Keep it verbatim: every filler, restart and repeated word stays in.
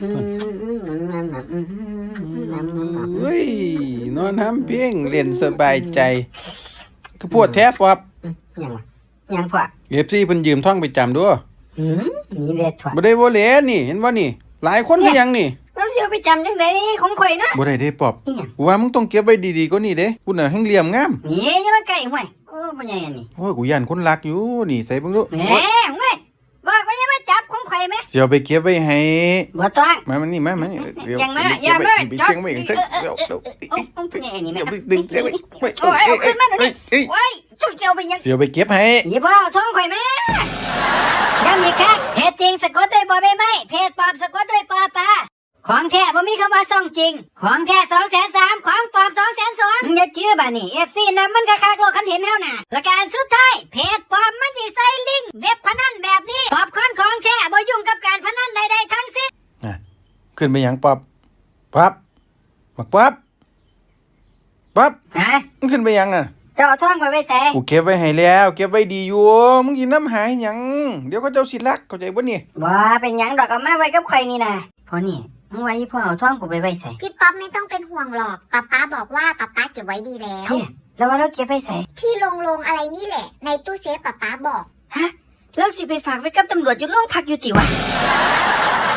เฮ้ยนอนทำเพียงเล่นสบายใจคือปวดแท้ปอบยังยังพอเอฟซีเพิ่นยืมท่องไปจำด้วยนี่เด็ดถั่วบ่ได้บ่เหลนี่เห็นบ่นี่หลายคนคือยังนี่แล้วสิเอาไปจำจังได๋ของข่อยนะบ่ได้เด้ปอบกูว่ามึงต้องเก็บไว้ดีๆกว่านี้เด้กูน่ะแฮงเหลี่ยมงามนี่อย่ามาใกล้ห่วยโอ้บ่ใหญ่อันนี้โอ้ยกูย่านคนรักอยู่นี่ใส่เบิ่งดูแหมห่วยบอกว่าอย่ามาจับของข่อยแม่สิเอาไปเก็บไว้ให้บ่ต้องมามันนี่มามาเดี๋ยวยังมาอย่ามาจับไปเก็บไว้เดี๋ยวเดี๋ยวโอ้บ่ใหญ่อันนี้แม่ดึงเสียไว้โอ้ยเอาขึ้นมาหน่อยดิโอ้ยจุ๊เจียวไปยังสิเอาไปเก็บให้อย่าบ่ท้องข่อยแม่ย้ำอีกครั้งเพจจริงสะกดด้วยบ่ใบไม้เพจปลอมสะกดด้วยปอปลาของแท้บ่มีคำว่าซ่องจริงของแท้ สองแสนสาม ของปลอม สองแสนสอง อย่าเชื่อบ่นี่ เอฟ ซี นำมันก็คักโลกคันเห็นเฮาน่ะประการสุดท้ายเพจปลอมมันสิใส่ลิงก์เว็บพนันแบบนี้ปอบคอนของแท้บ่ยุ่งกับการพนันใดๆทั้งสิ้นอ่ะขึ้นไปหยังปอบปั๊บบักปั๊บปั๊บฮะมึงขึ้นไปหยังน่ะเจ้าท้องข่อยไว้ใส่กูเก็บไว้ให้แล้วเก็บไว้ดีอยู่มึงสินำหายหยังเดี๋ยวเขาเจ้าสิรักเข้าใจบ่นี่บ่เป็นหยังดอกเอามาไว้กับข่อยนี่น่ะพอนี่มึงไว้พ่อเอาท้องกูไปไว้ใส่พี่ป๊อปไม่ต้องเป็นห่วงหรอกป๊าป๊าบอกว่าป๊าป๊าเก็บไว้ดีแล้วแล้วว่าเราเก็บไว้ใส่ที่โรงๆอะไรนี่แหละในตู้เซฟป๊าป๊าบอกฮะแล้วสิไปฝากไว้กับตำรวจอยู่โรงพักอยู่ติวะ